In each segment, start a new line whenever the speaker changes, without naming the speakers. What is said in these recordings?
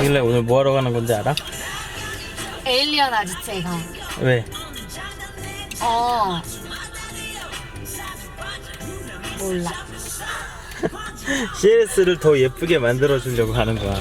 이길래 오늘 뭐 하러 가는 건지 알아?
에일리언 아지트에 가.
왜?
몰라.
CLS를 더 예쁘게 만들어 주려고 하는 거야.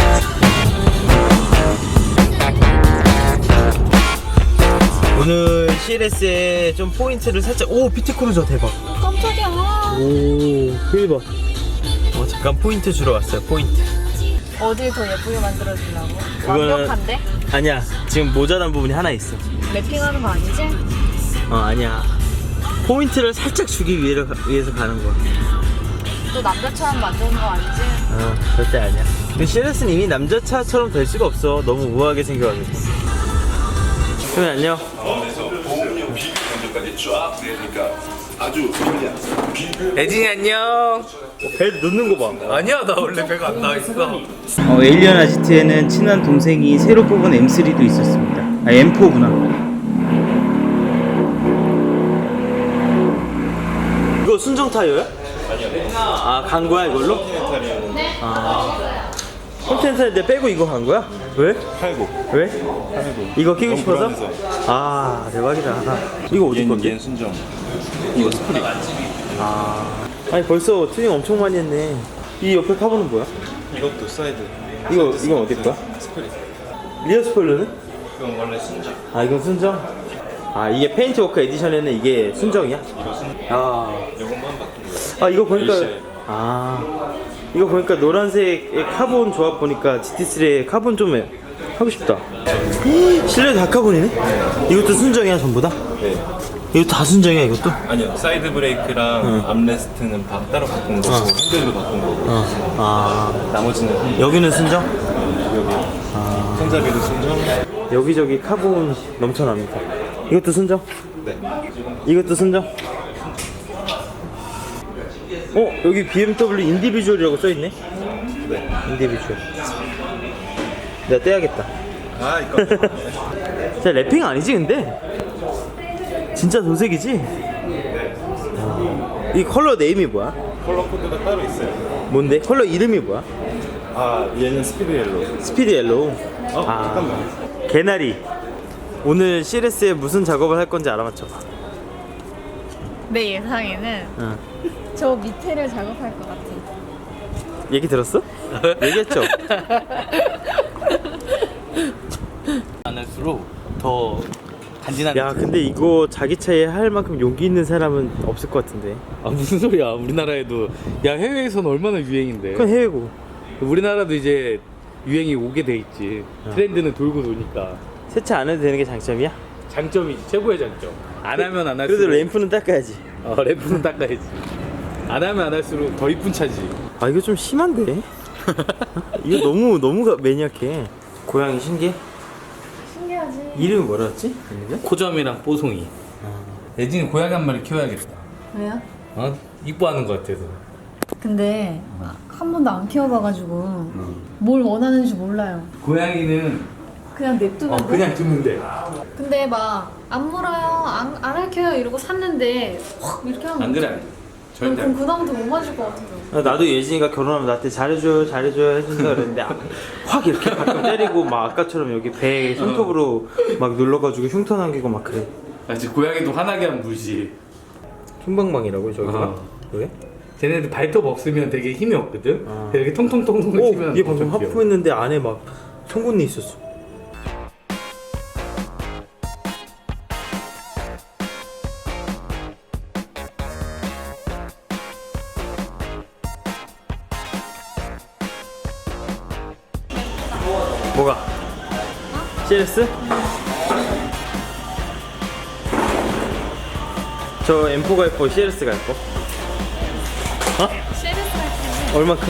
오늘 CLS에 좀 포인트를 살짝. 오, 피트크루저 대박.
깜짝이야.
오, 그리 봐. 잠깐 포인트 주러 왔어요. 포인트.
어딜 더 예쁘게 만들어주려고?
그거는-
완벽한데?
아니야, 지금 모자란 부분이 하나 있어.
랩핑하는 거 아니지?
아니야. 포인트를 살짝 주기 위해서 가는 거야.
또 남자처럼 만드는 거 아니지?
절대 아니야. 근데 CLS는 이미 남자차처럼 될 수가 없어. 너무 우아하게 생겨가지고. 형님 안녕.
그래서 보험료 비교 견적까지 쫙 내니까 아주 편리한.
애진이 안녕.
배 넣는 거 봐.
아니야, 나 원래 배가 안 나와 있어.
에일리언 아지트에는 친한 동생이 새로 뽑은 M3도 있었습니다. M4구나. 이거 순정 타이어야? 아니요. 간 거야 이걸로? 네. 컨텐츠인데 빼고 이거 간 거야? 왜?
팔고.
왜?
팔고.
이거 끼고
너무
싶어서?
불안해서.
대박이다. 이거 어디 건데?
얘는 순정. 이거 스프링.
아니 벌써 튜닝 엄청 많이 했네. 이 옆에 카본은 뭐야?
이것도 사이드.
이건 어디 거야?
스프링.
리어 스포일러는?
이건 원래 순정.
이건 순정? 이게 페인트 워크 에디션에는 이게 순정이야?
이거 순정. 요것만 바꾼 거야.
이거 보니까
일시에.
이거 보니까 노란색의 카본 조합 보니까 GT3의 카본 좀 하고 싶다. 실내 다 카본이네? 이것도 순정이야 전부 다?
네.
이거 다 순정이야 이것도?
아니요. 사이드 브레이크랑 암레스트는 따로 바꾼 거고 핸들도 바꾼 거고. 나머지는
여기는 순정?
여기. 손잡이도 순정.
여기저기 카본 넘쳐납니다. 이것도 순정?
네.
이것도 순정? 여기 BMW 인디비주얼이라고 써있네?
네.
인디비주얼. 내가 떼야겠다.
이거.
진짜 랩핑 아니지 근데? 진짜 도색이지? 이 컬러 네임이 뭐야?
컬러 코드가 따로 있어요.
뭔데? 컬러 이름이 뭐야?
얘는 스피드 옐로우.
스피드 옐로우.
잠깐만.
개나리. 오늘 CLS에 무슨 작업을 할 건지 알아맞혀봐.
내 예상에는 저 밑에를 작업할 것 같아.
얘기 들었어? 얘기했죠?
안 할수록 더 간지나는.
야 근데 이거 자기 차에 할 만큼 용기 있는 사람은 없을 것 같은데.
무슨 소리야? 우리나라에도 야 해외에서는 얼마나 유행인데.
그건 해외고.
우리나라도 이제 유행이 오게 돼 있지. 트렌드는 돌고 도니까.
세차 안 해도 되는 게 장점이야?
장점이 최고의 장점. 안 하면 안 할수록.
그래도 램프는 닦아야지.
램프는 닦아야지. 안 하면 안 할수록 더 이쁜 차지.
이거 좀 심한데? 이거 너무 매니악해. 고양이 신기해?
신기하지?
이름이 뭐라였지?
코점이랑 뽀송이. 애진이 고양이 한 마리 키워야겠다.
왜요?
이뻐하는 것 같아서.
근데 한 번도 안 키워봐가지고 뭘 원하는지 몰라요.
고양이는
그냥 냅두면 돼?
그냥 두면 돼.
근데 막 안 물어요, 안 핥혀요 이러고 샀는데 확 이렇게 하면
안 그래. 절대.
그럼 그다음부터 못 맞을 것 같아요.
나도 예진이가 결혼하면 나한테 잘해줘요 해준다 그랬는데 확 이렇게 가끔 때리고 막 아까처럼 여기 배에 손톱으로 막 눌러가지고 흉터 남기고 막 그래.
이제 고양이도 화나게 하면 물지.
흉방망이라고 저기가? 왜?
쟤네들 발톱 없으면 되게 힘이 없거든. 이렇게 통통통통 치면
얘 방금
엄청 귀여워.
하품했는데 안에 막 송곳니 있었어. 뭐가? CLS? 저 M4가 예뻐, CLS가 예뻐?
CLS 할 때는
얼마큼?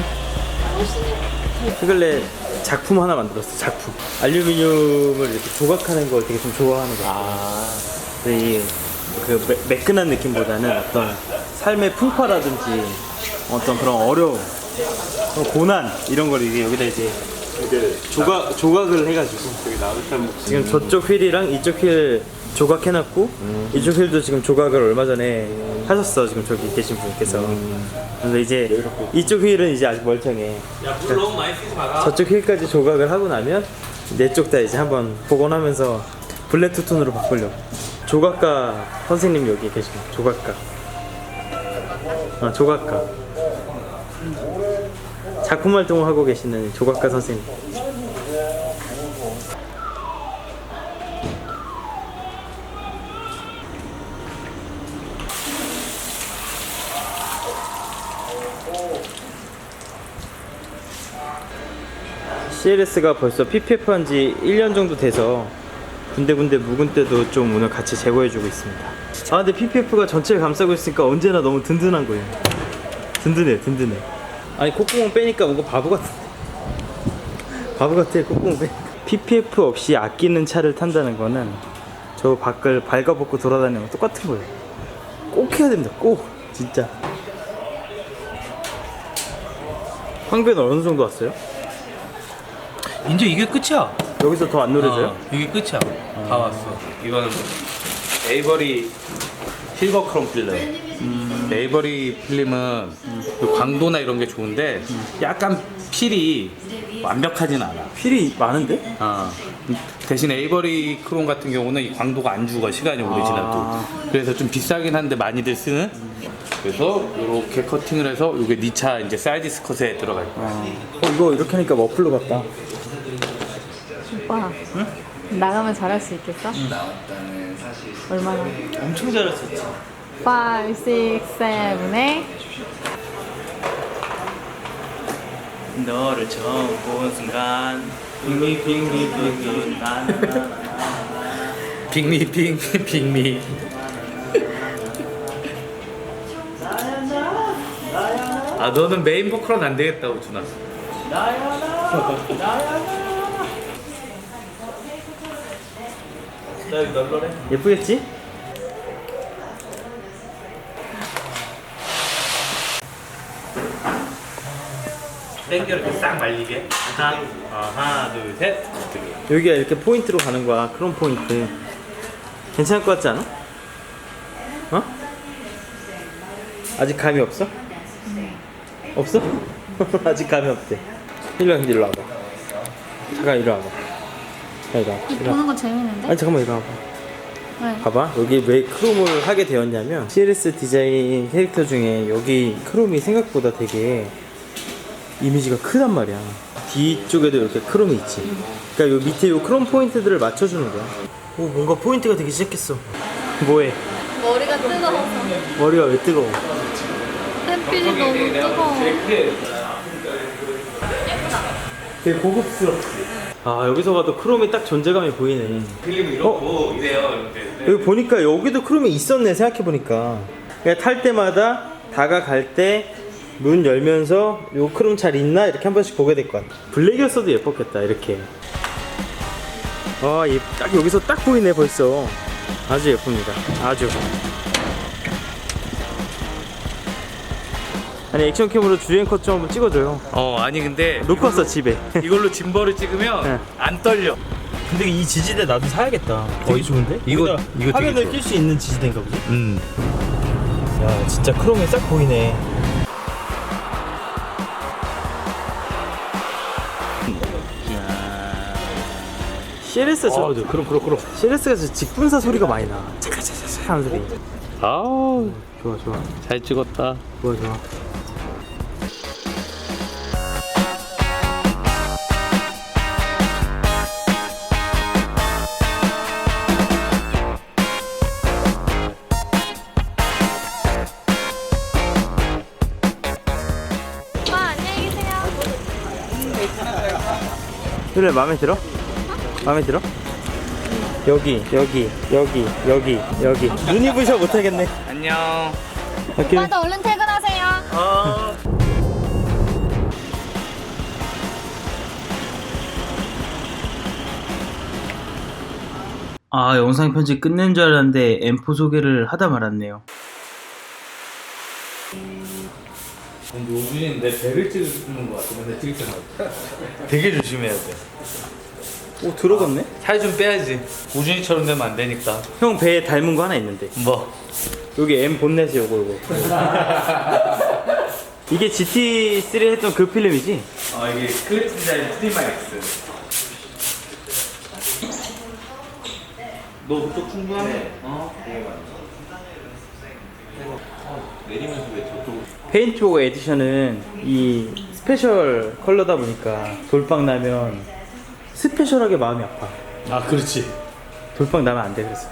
최근에 작품 하나 만들었어. 작품. 알루미늄을 이렇게 조각하는 걸 되게 좀 좋아하는 거야. 근데 그 매끈한 느낌보다는 어떤 삶의 풍파라든지 어떤 그런 어려움, 그런 고난 이런 걸 이제 여기다 이제 조각을 해가지고
되게 나긋한
지금 저쪽 휠이랑 이쪽 휠 조각해놨고 이쪽 휠도 지금 조각을 얼마 전에 하셨어 지금 저기 계신 분께서. 그래서 이제 이쪽 휠은 이제 아직 멀쩡해.
야물 너무 많이 쓰지 마라.
저쪽 휠까지 조각을 하고 나면 내 쪽 다 이제 한번 복원하면서 블랙 투톤으로 바꾸려고. 조각가 선생님 여기 계십니다. 조각가. 조각가. 작품 활동을 하고 계시는 조각가 선생님. CLS가 벌써 PPF 한 지 1년 정도 돼서 군데군데 묵은 때도 좀 오늘 같이 제거해주고 있습니다. 아 근데 PPF가 전체를 감싸고 있으니까 언제나 너무 든든한 거예요. 든든해. 아니 콧구멍 빼니까 뭔가 바보 같은데. 바보 같아 콧구멍 빼. PPF 없이 아끼는 차를 탄다는 거는 저 밖을 발가벗고 돌아다니는 거 똑같은 거예요. 꼭 해야 됩니다. 꼭 진짜. 황배는 어느 정도 왔어요?
이제 이게 끝이야.
여기서 더 안 노려져요?
이게 끝이야. 다 왔어. 이거는 에이버리 실버 크롬 필름.
에이버리 필름은 그 광도나 이런 게 좋은데 약간 필이 완벽하진 않아.
필이 많은데?
대신 에이버리 크롬 같은 경우는 이 광도가 안 죽어 시간이 오래 지나도. 그래서 좀 비싸긴 한데 많이들 쓰는. 그래서 이렇게 커팅을 해서 이게 네 차 이제 사이드 스컷에 들어갈 거야.
이거 이렇게 하니까 머플러 같다.
오빠. 응? 나가면 잘할 수 있겠어? 얼마나?
엄청 잘했었지.
5, 6, 7, 8
너를 처음 본 순간 빙미
빅미. 아 너는 메인 보컬은 안 되겠다 우준아.
나 여기 널널해. 예쁘겠지?
땡겨 이렇게 싹 말리게. 하나 둘 셋.
여기가 이렇게 포인트로 가는 거야. 크롬 포인트. 괜찮을 것 같지 않아? 어? 아직 감이 없어? 없어? 아직 감이 없대. 일로 와봐. 잠깐 이리 와봐. 이리 와봐.
보는 거 재밌는데?
아니 잠깐만 이리 와봐.
왜?
봐봐 여기 왜 크롬을 하게 되었냐면 CLS 디자인 캐릭터 중에 여기 크롬이 생각보다 되게 이미지가 크단 말이야. 뒤쪽에도 이렇게 크롬이 있지. 그러니까 요 밑에 요 크롬 포인트들을 맞춰주는 거야. 오 뭔가 포인트가 되기 시작했어. 뭐해?
머리가 뜨거워서.
머리가 왜 뜨거워?
햇빛이 너무 뜨거워.
되게 고급스럽지. 아 여기서 봐도 크롬이 딱 존재감이 보이네.
필름이 이렇고 이래요. 이렇게.
여기 보니까 여기도 크롬이 있었네 생각해보니까. 그러니까 탈 때마다 다가갈 때 문 열면서 요 크롬 잘 있나 이렇게 한 번씩 보게 될 것 같아. 블랙이었어도 예뻤겠다 이렇게. 딱 여기서 딱 보이네 벌써. 아주 예쁩니다. 아주. 아니 액션캠으로 주행컷 좀 한번 찍어줘요.
아니 근데
놓고 왔어 집에.
이걸로 짐벌을 찍으면
네.
안 떨려.
근데 이 지지대 나도 사야겠다. 되게 좋은데?
이거
여기다
되게
화면을
좋아.
낄 수 있는 지지대인가 보지? 야 진짜 크롬이 싹 보이네. CLS
그럼.
CLS가 저 직분사 소리가 많이 나. 차카차카차 하는 소리.
아우
좋아.
잘 찍었다.
좋아.
오빠 안녕히 계세요.
그래 마음에 들어? 마음에 들어? 여기. 눈이 부셔 못하겠네.
안녕.
오빠도 얼른 퇴근하세요.
영상 편집 끝낸 줄 알았는데 M4 소개를 하다 말았네요.
근데 우준이는 내 배를 찍는 거 같아. 근데 찍을 때마다 되게 조심해야 돼.
오 들어갔네?
살 좀 빼야지. 우준이처럼 되면 안 되니까.
형 배에 닮은 거 하나 있는데
뭐?
여기 M 본넷이 요거 이게 GT3 했던 그 필름이지?
이게 클리프 디자인 프리마 X. 너 그쪽 충분하네.
내리면서 왜 저쪽
페인트복 에디션은 이 스페셜 컬러다 보니까 돌빵 나면 스페셜하게 마음이 아파.
아, 그렇지.
돌빵 나면 안 돼. 그래서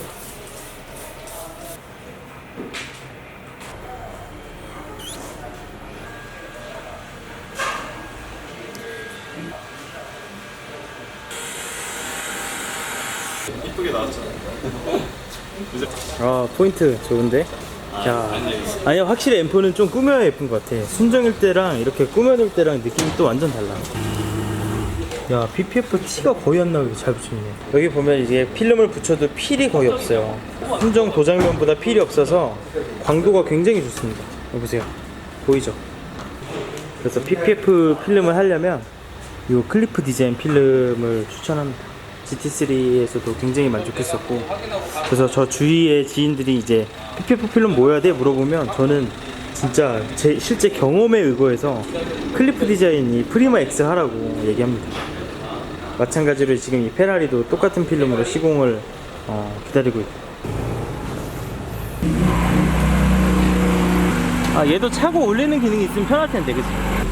이쁘게 나왔잖아.
아 포인트 좋은데? 야, 아니야 확실히 M4는 좀 꾸며야 예쁜 것 같아. 순정일 때랑 이렇게 꾸며놓을 때랑 느낌이 또 완전 달라. 야 PPF 티가 거의 안 나오게 잘 붙여있네. 여기 보면 이게 필름을 붙여도 필이 거의 없어요. 순정 도장면보다 필이 없어서 광도가 굉장히 좋습니다. 여기 보세요. 보이죠? 그래서 PPF 필름을 하려면 이 클리프 디자인 필름을 추천합니다. GT3에서도 굉장히 만족했었고, 그래서 저 주위의 지인들이 이제 PPF 필름 뭐 해야 돼? 물어보면 저는 진짜 제 실제 경험에 의거해서 클리프 디자인이 프리마 X 하라고 얘기합니다. 마찬가지로 지금 이 페라리도 똑같은 필름으로 시공을 기다리고 있고. 아 얘도 차고 올리는 기능이 있으면 편할 텐데, 그치?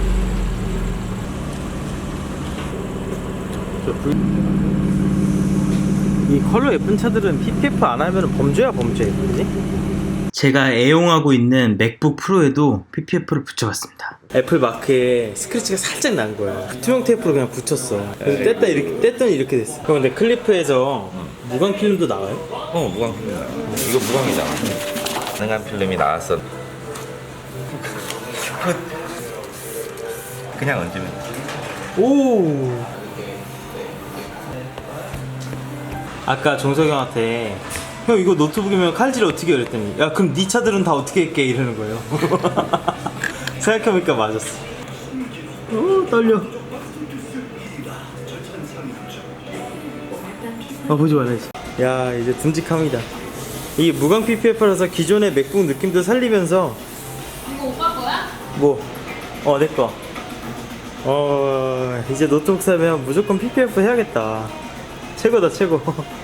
이 컬러 예쁜 차들은 PPF 안 하면 범죄야 범죄. 그지? 제가 애용하고 있는 맥북 프로에도 PPF를 붙여봤습니다. 애플 마크에 스크래치가 살짝 난 거야. 투명 테이프로 그냥 붙였어. 그래서 뗐더니 이렇게 됐어. 형 근데 클리프에서 무광 필름도 나와요?
무광 필름. 이거 무광이잖아. 가능한 필름이 나왔어. 그냥 얹으면 돼.
오. 아까 종석이 형한테 형 이거 노트북이면 칼질 어떻게 해? 그랬더니 야 그럼 네 차들은 다 어떻게 할게? 이러는 거예요. 생각해보니까 맞았어. 오 떨려. 보지 말아야지. 야 이제 듬직합니다. 이게 무광 PPF라서 기존의 맥북 느낌도 살리면서.
이거 오빠 거야?
뭐? 내꺼. 이제 노트북 사면 무조건 PPF 해야겠다. 최고다 최고.